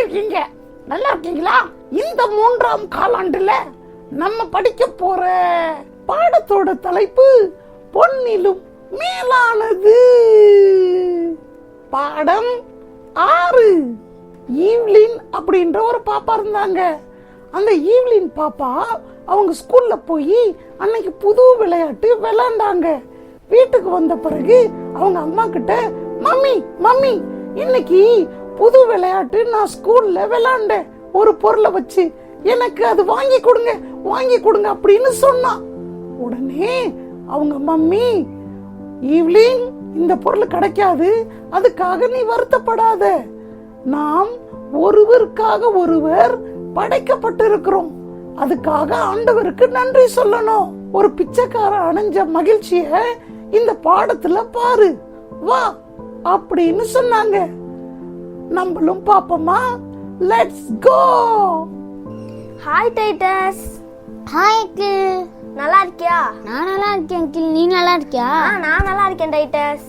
இருக்கீங்க? நல்லா இருக்கீங்களா? இந்த 3ஆம் காலாண்டுல நம்ம படிக்க போற பாடத்தோட தலைப்பு பொன்னிலும் மேலானது. பாடம் 6. ஈவ்லின் அப்படின்ற ஒரு பாப்பா இருந்தாங்க. அந்த ஈவ்லின் பாப்பா அவங்க ஸ்கூல்ல போய் அன்னைக்கு புது விளையாட்டு விளையாண்டாங்க. வீட்டுக்கு வந்த பிறகு அவங்க அம்மா கிட்ட, மம்மி மம்மி இன்னைக்கு புது விளையாட்டு நான் ஸ்கூல்ல விளையாண்டேன், ஒரு பொருளை வச்சு எனக்கு அது வாங்கி கொடுங்க அப்படின்னு சொன்னா. உடனே அவங்க மம்மி, ஈவ்லின் இந்த பொருள் கிடைக்காது, அதுக்காக நீ வருத்தப்படாத, நாம் ஒருவருக்காக ஒருவர் படைக்கப்பட்டிருக்கிறோம், அதுக்காக ஆண்டவருக்கு நன்றி சொல்லணும். ஒரு பிச்சைக்காரன் அடைஞ்ச மகிழ்ச்சிய இந்த பாடத்துல பாரு, வா அப்படின்னு சொன்னாங்க. நம்மளும் பாப்போமா? Let's go. Hi Titus. Hi uncle. நல்லா இருக்கியா? நான் நல்லா இருக்கேன் அங்கிள். நீ நல்லா இருக்கியா? நான் நல்லா இருக்கேன் டைட்டஸ்.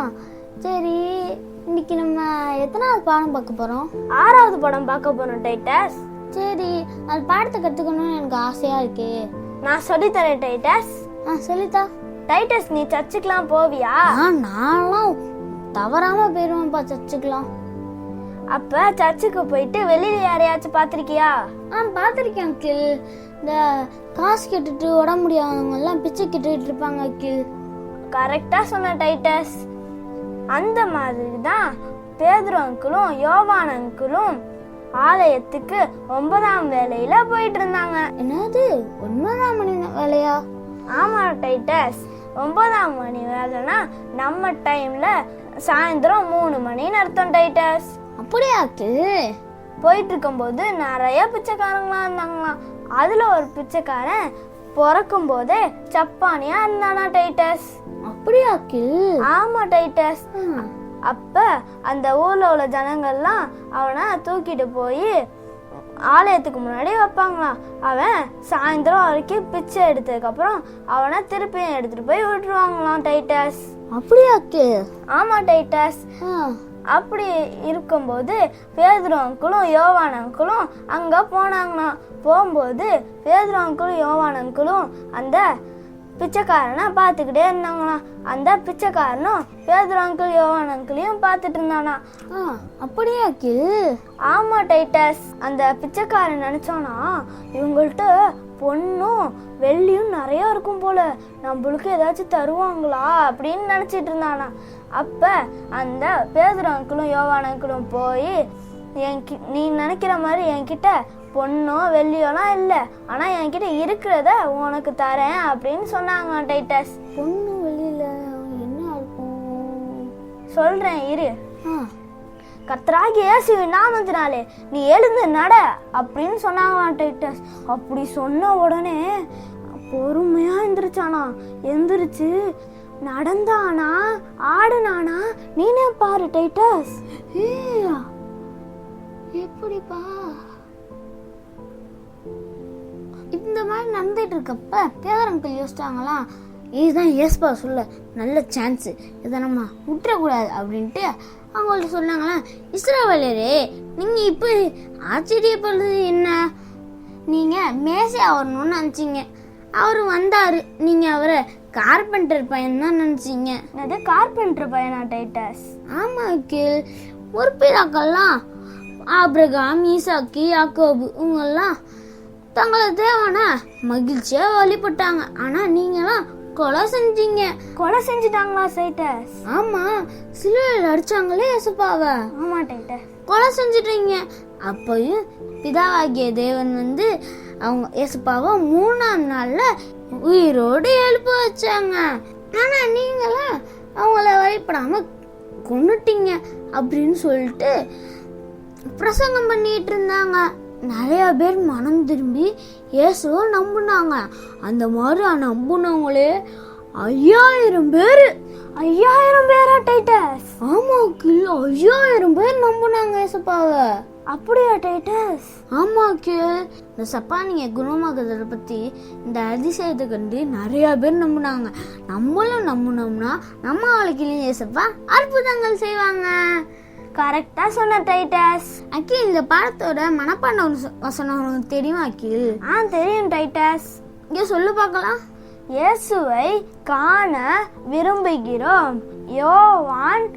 சரி, இன்னைக்கு நம்ம எத்தனாவது பாடம் பார்க்க போறோம்? 6வது படம் பார்க்க போறோம் டைட்டஸ். சரி, அது பாடத்தை கத்துக்கணும்னு எனக்கு ஆசையா இருக்கு. நான் சொல்லித்தரேன் டைட்டஸ். சொல்லித்தா. டைட்டஸ், நீ சர்ச்சுக்கெல்லாம் போவியா? நான்லாம் தவறாம போயிருவேன்ப்பா சர்ச்சுக்கலாம். அப்ப சர்ச்சுக்கு போயிட்டு வெளியில யாரையாச்சும் பாத்திருக்கியா? பாத்திருக்கேன் அங்கிள். இந்த காசு கேட்டுட்டு உடம்பு முடியாதவங்க எல்லாம் பிச்சை கேட்டுட்டு இருப்பாங்க அங்கிள். கரெக்டா சொன்ன டைட்டஸ். அந்த மாதிரி தான் பேதுரு அங்கிளும் யோவான் அங்கிளும் ஆலயத்துக்கு 9ஆம் வேளையில போயிட்டு இருந்தாங்க. என்னது 9ஆம் மணி வேலையா? ஆமா டைட்டஸ், 9ஆம் மணி வேலைனா நம்ம டைம்ல சாயந்தரம் 3 மணின்னு அர்த்தம் டைட்டஸ். அப்படியாக்கு? போயிட்டு இருக்கும்போது நிறைய பிச்சைக்காரங்களா இருந்தாங்களாம். அதுல ஒரு பிச்சைக்காரன் பிறக்கும் போதே சப்பானியா இருந்தானா டைட்டஸ். அப்படியாக்கு? ஆமா டைட்டஸ். அப்ப அந்த ஊர்ல உள்ள ஜனங்கள்லாம் அவனை தூக்கிட்டு போய் ஆலயத்துக்கு முன்னாடி வைப்பாங்களாம். அவன் சாயந்தரம் வரைக்கும் பிச்சை எடுத்ததுக்கு அப்புறம் அவனை திருப்பியும் எடுத்துட்டு போய் விட்டுருவாங்களாம் டைட்டஸ். அப்படியாக்கு? ஆமா டைட்டஸ். அப்படி இருக்கும்போது பேதுரு அங்கிளும் யோவான் அங்கிளும் அங்க போனாங்களாம். போகும்போது பேதுரு அங்கிளும் யோவான் அங்கிளும் அந்த பிச்சைக்காரனை பார்த்துக்கிட்டே இருந்தாங்களாம். அந்த பிச்சைக்காரனும் பேதுரு அங்கிள் யோவான் அங்கிளையும் பார்த்துட்டு இருந்தானா. அப்படியாக்கு? ஆமா டைட்டஸ். அந்த பிச்சைக்காரன் நினைச்சானா, இவங்கள்ட்ட பொண்ணும் வெள்ளியும் நிறைய இருக்கும் போல, நம்மளுக்கு ஏதாச்சும் தருவாங்களா அப்படின்னு நினைச்சிட்டு இருந்தானா. அப்ப அந்த பேதுரு அங்கிளும் யோவான் அங்கிளும் போய், நீ நினைக்கிற மாதிரி என்கிட்ட பொண்ணோ வெள்ளியோலாம் இல்லை, ஆனா என்கிட்ட இருக்கிறத உனக்கு தரேன் அப்படின்னு சொன்னாங்க டைட்டஸ். பொண்ணு வெள்ளியில என்ன இருக்கும் சொல்றேன் இரு. கர்த்தராகிய இயேசுவின் நாமத்தினாலே நீ எழுந்து நட அப்படின்னு சொன்னாங்களாம் டைட்டஸ். அப்படி சொன்ன உடனே பொறுமையா எந்திரிச்சானா. எந்திரிச்சு நடந்தானா ஆடுனானா நீனே பாரு டைட்டஸ். எப்படிப்பா இந்த மாதிரி நடந்துட்டு இருக்கப்ப பேரங்கள் யோசிச்சாங்களாம், இதுதான் ஏஸ்பா சொல்ல நல்ல சான்ஸ், இதை நம்ம விட்டுறக்கூடாது அப்படின்ட்டு அவங்கள்ட்ட சொன்னாங்களாம், இஸ்ரவேலரே நீங்க இப்ப ஆச்சரியப்படுறது என்ன, நீங்க மேசியா வரணும்னு நினைச்சீங்க, அவரு வந்தாரு, நீங்க அவரை கார்பெண்டர் பையன் தான் நினைச்சீங்க. அது கார்பெண்டர் பையனா டைட்டஸ்? ஆமா அங்கிள். ஒரு பிதாக்கள்லாம் ஆபிரகாம், ஈசாக்கு, யாக்கோபு இவங்கெல்லாம் தங்களை தேவன மகிழ்ச்சியா வழிபட்டாங்க. ஆனா நீங்களாம் கொலை செஞ்சீங்க. கொலை செஞ்சுட்டாங்களா டைட்டஸ்? ஆமா, சிலுவையில் அடிச்சாங்களே இயேசுப்பாவை. ஆமா டைட்டஸ், கொலை செஞ்சுட்டீங்க. அப்பயும் பிதாவாகிய தேவன் வந்து அவங்க இயேசுப்பாவை 3ஆம் நாள்ல உயிரோடு எழுப்ப வச்சாங்க. ஆனா நீங்களாம் அவங்கள வழிபடாம கொன்னுட்டீங்க அப்படின்னு சொல்லிட்டு பிரசங்கம் பண்ணிட்டு இருந்தாங்க. நிறைய பேர் மனம் திரும்பி இயேசுவை நம்புனாங்க. அந்த மாதிரி நம்புனவங்களே 5000 பேர். 5000 பேரா டைட்டஸ்? ஆமா, 5000 பேர் நம்புனாங்க இயேசுப்பாவை. அப்படியா டைட்டஸ்? ஆமா, இந்த சப்பானிய குணமாக்குறத பத்தி இந்த அதிசயத்தை கண்டு நிறைய பேர் நம்புனாங்க. நம்மளும் நம்புனோம்னா நம்ம வாழ்க்கையிலும் இயேசுப்பா அற்புதங்கள் செய்வாங்க. கரெக்டா சொன்ன டைட்டஸ். அகில் இந்த பாடத்தோட மனப்பாட வசனம் உனக்கு தெரியுமா அகில்? தெரியும் டைட்டஸ். இங்க சொல்லு பார்க்கலாம். இயேசுவை காண விரும்புகிறோம். யோவான்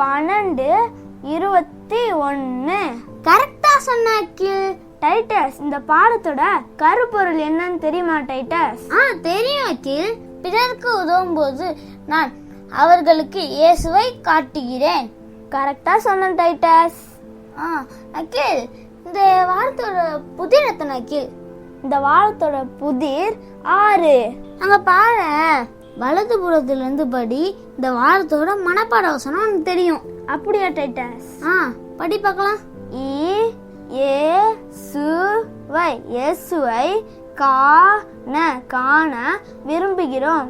12:21. கரெக்டா சொன்ன அகில். டைட்டஸ், இந்த பாடத்தோட கருப்பொருள் என்னன்னு தெரியுமா டைட்டஸ்? தெரியும் அகில். பிறருக்கு உதவும் போது நான் அவர்களுக்கு இயேசுவை காட்டுகிறேன். கரெக்டா சொன்ன டைட்டஸ். அகில், இந்த வாரத்தோட புதிர் எத்தனை அகில்? இந்த வாரத்தோட புதிர் 6. அங்க பாரு, வலது புறத்துல இருந்து படி. இந்த வாரத்தோட மனப்பாட வசனம் உனக்கு தெரியும். அப்படியா டைட்டஸ்? படி பார்க்கலாம். இயேசுவை காண விரும்புகிறோம்.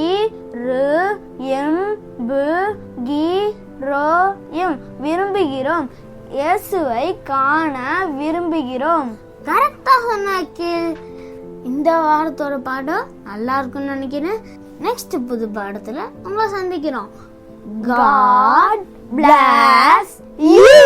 விரும்புகிறோம். இயேசுவை காண விரும்புகிறோம். கரெக்டா சொன்ன அகில். இந்த வாரத்தோட பாடம் நல்லா இருக்கும்னு நினைக்கிறேன். நெக்ஸ்ட் புது பாடத்துல உங்களை சந்திக்கிறோம். God bless you.